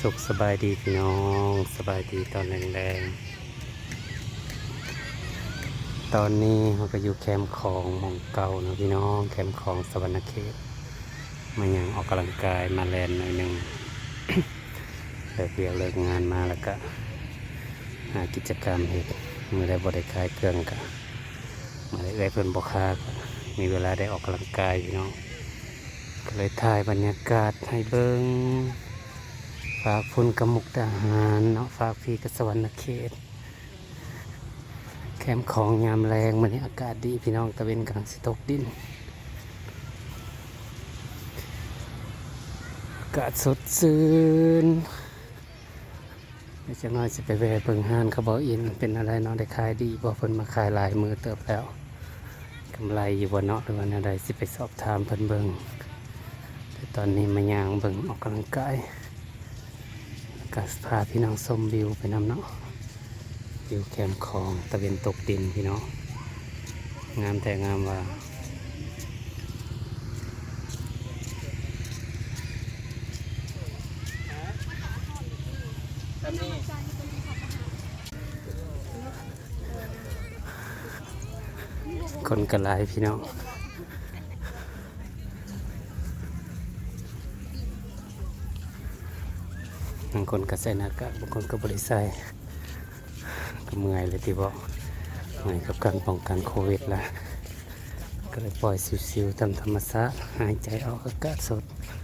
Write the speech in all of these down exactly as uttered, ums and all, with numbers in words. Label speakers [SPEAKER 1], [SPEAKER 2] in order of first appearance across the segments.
[SPEAKER 1] สุขสบายดีพี่น้องสบายดีตอนแรงๆตอนนี้เราก็อยู่แคมป์ของหมองเก่านะพี่น้องแคมป์ของสวรรณเขตมายังออกกำลังกายมาแลนหน่อยหนึ่ง เลิกเรียนเลิกงานมาแล้วก็หากิจกรรมเหตุมือได้บริคายเครื่องกะมาได้เอื้อยเพิ่นบอกค่าก็มีเวลาได้ออกกำลังกายพี่น้องก็เลยถ่ายบรรยากาศให้เบิ้งฝากพุ่นกมุกดาหารเนาะฝากพี่กับสวรรณเขตแคมป์ของยามแรงมันนี้อากาศดีพี่น้องตะเวนกำลังสิตกดินอากาศสดชื่นเดี๋ยวจะน้อยสิไปแวะเบิ่งห้านเขาบอกอินเป็นอะไรเนาะได้ขายดีบ่เพิ่นมาขายหลายมือเติบแล้วกำไรอยู่บ่เนาะหรือว่าแนวใดสิไปสอบถามเพิ่นเบิ่งแต่ตอนนี้มาย่างเบิ่งออกกำลังกายก็พาพี่น้องชมวิวไปนำเนาะวิวแคมป์ของตะเวนตกดินพี่น้องงามแต่งามว่าคนกระไรพี่น้องบางคนก็ใส่หน้ากากบางคนก็บริใส่ก็เมื่อยเลยที่บอกเมื่อยกับการป้องกันโควิดละก็เลยปล่อยซิวๆตามธรรมชาติหายใจออกอากาศสด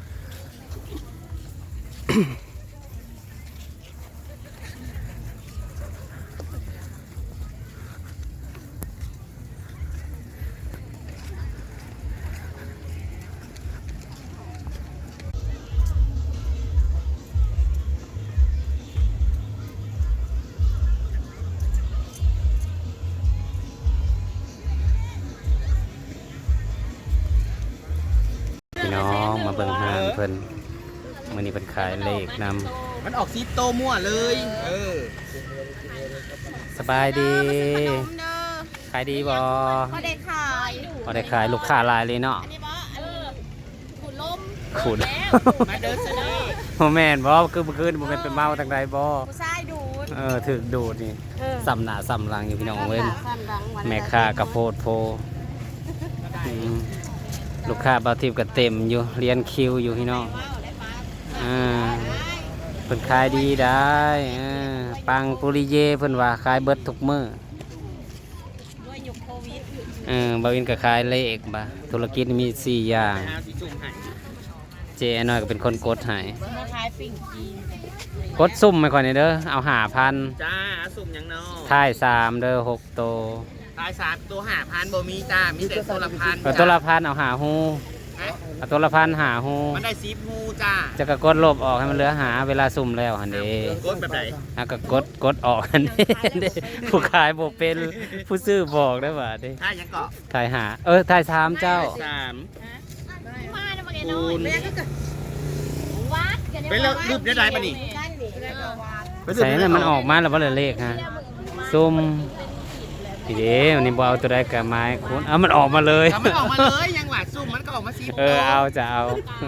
[SPEAKER 1] พี่น้องมาเบิ่งห้างเพิ่นมื้อนี้เพิ่นขายเลขนำ
[SPEAKER 2] มันออกซีโตมั่วเลยเออ
[SPEAKER 1] สบายดีขายดีบ่
[SPEAKER 3] พอได้ขาย
[SPEAKER 1] พอได้ขายลูกค้าหลายเลยเนาะ
[SPEAKER 3] อันนี้บ่เออขุดลม
[SPEAKER 1] ขุด
[SPEAKER 2] มาเดินซะนี่
[SPEAKER 1] บ่แม่นบ่คือเมื่อคืนบ่แม่นไปเมาทางใดบ่
[SPEAKER 3] ผู้ชายดูด
[SPEAKER 1] เออถึกดูดนี่สำหน้าสำหลังอยู่พี่น้องเว้ย
[SPEAKER 3] ความดังวัน
[SPEAKER 1] แม่ค้ากระโพดโพอืมลูกค้าบางทีก็เต็มอยู่เรียนคิวอยู่พี่น้องอ่าเพิ่นขายดีได้อ่าปังปุริเยเพิ่นว่าขายเบิดทุกมื้อ
[SPEAKER 3] ด้วยยุคโควิด
[SPEAKER 1] เออบาวินก็ขายเลขบ่ธุรกิจมีสี่อย่างเจน้อยก็เป็นคนกดให้
[SPEAKER 3] มาขายปิ่งจีน
[SPEAKER 1] กดซุ่มไม่ค่อยนี่เด้อเอาห้าพัน
[SPEAKER 2] จ้าสุ่มยังเนาะ
[SPEAKER 1] ท้ายสามเด้อหกโต
[SPEAKER 2] ตายสามตัวห้าพันบ่มีจ้ามีแต่ตัวละพัน
[SPEAKER 1] เอาตัวละพันเอาหาฮูเอาตัวละพันหาฮู
[SPEAKER 2] มันได้ซีฟูจ้า
[SPEAKER 1] จะก็กดลบออกให้มันเหลือหาเวลาซุ่มแล้วหั่นเด้
[SPEAKER 2] กดแบบไหน
[SPEAKER 1] อ่ะก็กดกดออกหั่นเด้ผู้ขายบ่เป็นผู้ซื้อบอกได้ว่าเด้
[SPEAKER 2] ถ่ายยังเกาะ
[SPEAKER 1] ถ่ายหาเออถ่ายสามเจ้า
[SPEAKER 2] สาม
[SPEAKER 3] มาเนาะมาเนาะแม่ก็จะวัดกัน
[SPEAKER 2] ไปแล้วรูปได้ไรป่ะนี่
[SPEAKER 1] ใส่นั่นมันออกมาแล้วบ่เหลือเลขฮะซุ่มทีเดียวนี่บ่เอาตัวใดก็ไม้คุณเอามันออกมาเลย
[SPEAKER 2] มันออกมาเลยยังหวาดซุ่มมันก็ออกมาซี
[SPEAKER 1] เออเอาจะเอา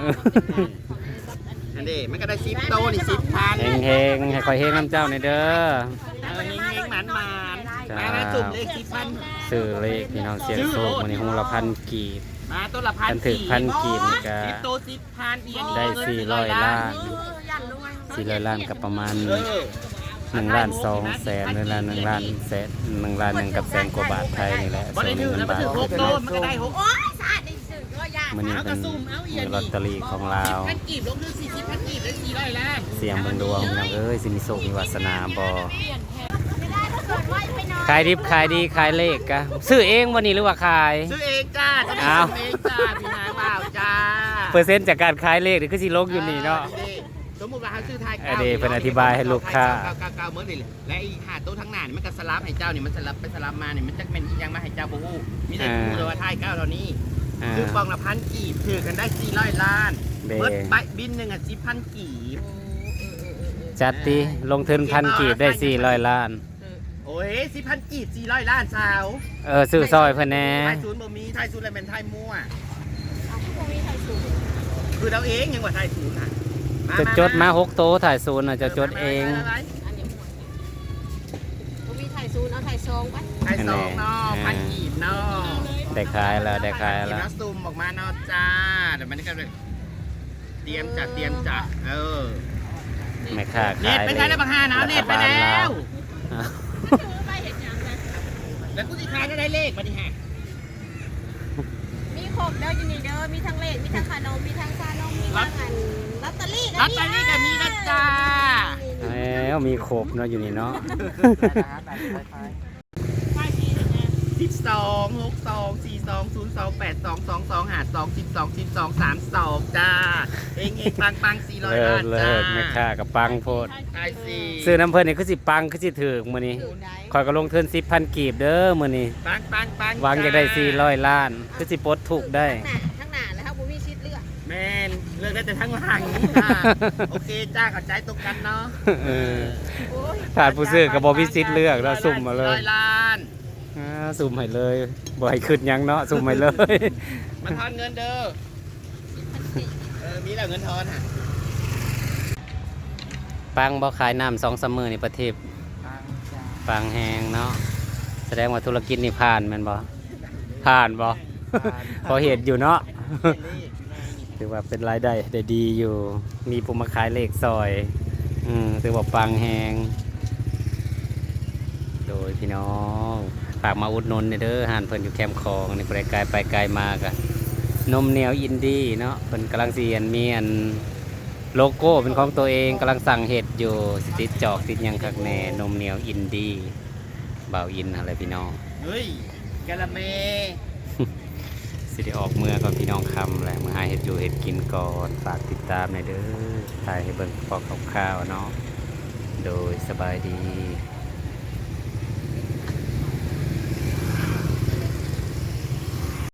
[SPEAKER 2] อันนี้มันก็ได้ซีโตนี่สิบพัน
[SPEAKER 1] เฮงๆให้คอยเฮงน้ำเจ้าในเด้อ
[SPEAKER 2] เออเฮงเฮงหมันหมันมาสุ่มเลขสิบพัน
[SPEAKER 1] ซื้อเลขพี่น้องเสียงโชควันนี้หูละพันกีบ
[SPEAKER 2] มาตัวละพัน
[SPEAKER 1] ถึงพันกีบนี่ก็
[SPEAKER 2] สิบโตสิบพันเอียน
[SPEAKER 1] ได้สี่ร้อยล้านสี่ร้อยล้านกับประมาณหนึ่งล้านสองแสนหนึ่งล้านหนึ่งล้านแสนหนึ่งล้านหนึ่งกับแสนกว่าบาทไทยนี่แหละส่วนหนึ่งบาทมันนี่เป็นมีลอตเตอรี่ของเราเสียงบนดวงพี่น้องเอ้ยสิมีโชคมีวาสนาบ่ขายดิบขายดีขายเลขกะซื้อเองวันนี้หรือว่าขาย
[SPEAKER 2] ซื้อเองจ้าจะได้ซื้อเองจ้าพี่นางบ่าวจ้า
[SPEAKER 1] เปอร์เซ็นต์จากการขายเลขนี่คือสิลงอยู่นี่เนาะ
[SPEAKER 2] สมมุติว่าเขาซื้อไทย
[SPEAKER 1] เก้าเพิ่นอธิบายให้ลูกค้า
[SPEAKER 2] เก้าเก้าเก้าเมื่อนี่และอีหาโต๊ะทั้งหน้านี่มันก็สลับให้เจ้านี่มันสลับไปสลับมานี่มันจักเป็นยังมาให้เจ้าบ่ฮู้มีแต่ฮู้แต่ว่าไทยเก้าเท่านี้คือกองละพันกีบถือกันได้สี่ร้อยล้านเบิดใบบินหนึ่งอ่ะสิบพันกีบ
[SPEAKER 1] จัดติลงทุนพันกีบได้สี่ร้อยล้าน
[SPEAKER 2] โอ้ยสิบพันกีบสี่ร้อยล้านสาว
[SPEAKER 1] เออซื้อซอยเพิ่นแน่
[SPEAKER 2] ไทยศูนย์บ่มีไทยศูนย์อะไรเป็นไทยมั่วคือเราเองยังว่าไทยศูนย์อ่ะ
[SPEAKER 1] จะจดมาหกโตะถ่ายศูนย์น่ะจะจดเอง
[SPEAKER 3] อันนี้บ่มีถ่ายศูนย์เอาถ่ายซองไป
[SPEAKER 2] ไข่สองเนาะพันกีบเนาะ
[SPEAKER 1] ได้ขายแล้วได้ขาย
[SPEAKER 2] กีบ
[SPEAKER 1] แล้ว
[SPEAKER 2] แล้วซุ่มออกมาเนาะจ้าเดี๋ยวมันก็เลยเตรียมจัดเตรียมจัดเออ
[SPEAKER 1] ไม่ค่า
[SPEAKER 2] เน็
[SPEAKER 1] ขาย
[SPEAKER 2] ตไปใช้ได้บังฮานะเน็ตไปแล้ว
[SPEAKER 1] อ้าว
[SPEAKER 3] ถือไปเห็นยังไง
[SPEAKER 2] แล้วกูสิขายได้เลขมาดิฮะ
[SPEAKER 3] มีครบเด้ออยู่นี่เด้อมีทั้งเลขมีทั้งขนมมีทั้งชานมมีทั้งอันลอตเตอรี่
[SPEAKER 2] ลอตเตอรี่ก็มีนะจ้า
[SPEAKER 1] แล้วมีครบเนาะอยู่นี่เนาะ
[SPEAKER 2] สิบสองหกสองสี่สองศูนย์สองแปดสองสองสองหาสองสิบสองสิบสองสามสองจ้าเองเองปังปังสี่ร้อย
[SPEAKER 1] เลิ
[SPEAKER 2] ล้าก น
[SPEAKER 1] เลิ
[SPEAKER 2] จ้าก
[SPEAKER 1] ไม่ค่ากับปังโพด
[SPEAKER 2] ใช่สิ
[SPEAKER 1] ซื้อน้ำเพิ่นนี่คือสิปังคือสิถือกมื้อนี้คอยก็ลงทุนสิบพันกีบเด้อมื้อนี้
[SPEAKER 2] ปังปังปัง
[SPEAKER 1] หวังจะได้สี่ร้อยล้านคือสิปลดทุกข์ได้
[SPEAKER 3] ทั้งหน้าทั้งหน้าแล้วครับบ่มีชิดเลือก
[SPEAKER 2] แมนเลือกได้แต่ทั้งหลังจ้าโอเคจ้าเข้าใจตรงกันเนาะ
[SPEAKER 1] เออ
[SPEAKER 3] โอ้ย
[SPEAKER 1] ขาดผู้ซื้อก็บ่มีสิทธิ์เลือกแล้วสุ่มมาเล
[SPEAKER 2] ร้
[SPEAKER 1] ย
[SPEAKER 2] อยล้าน
[SPEAKER 1] อ่าสุ่มให้เลยบ่ให้ขึ้นหยังเนาะสุ่มให้เลย
[SPEAKER 2] มาทอนเงินเด้อเออมีแล้วเงินทอนฮะ
[SPEAKER 1] ปังบ่ขายน้ำสองสามมื้อนี่ประเทศ
[SPEAKER 2] ปังจ้า
[SPEAKER 1] ปังแฮงเนาะแสดงว่าธุรกิจนี่ผ่านแม่นบ่ผ่านบ่พอเห็นอยู่เนาะ ถือว่าเป็นรายได้ได้ดีอยู่ มีผู้มาขายเลขซอย อืมถือว่าปังแหงโดยพี่น้องฝากมาอุดหนุนเด้อห่านเพิ่นอยู่แคมป์คลองในบริไกลไปไกลมากอะนมเหนียวอินดี้เนาะเพิ่นกำลังเสียนมีอันโลโก้เป็นของตัวเองกำลังสั่งเห็ดอยู่สิติดจอกติดหยังคักแน่นมเหนียวอินดี้บ่าวอินอะไรพี่น้อง
[SPEAKER 2] เฮ้ยกะละเม
[SPEAKER 1] สิได้ออกเมื่อก่อนพี่น้องคำแหละมือหาเห็ดอยู่เห็ดกินก่อนฝากติดตามในอยเด้อถ่ายให้เบิ่งพอคร่าวๆเนาะโดยสบายดี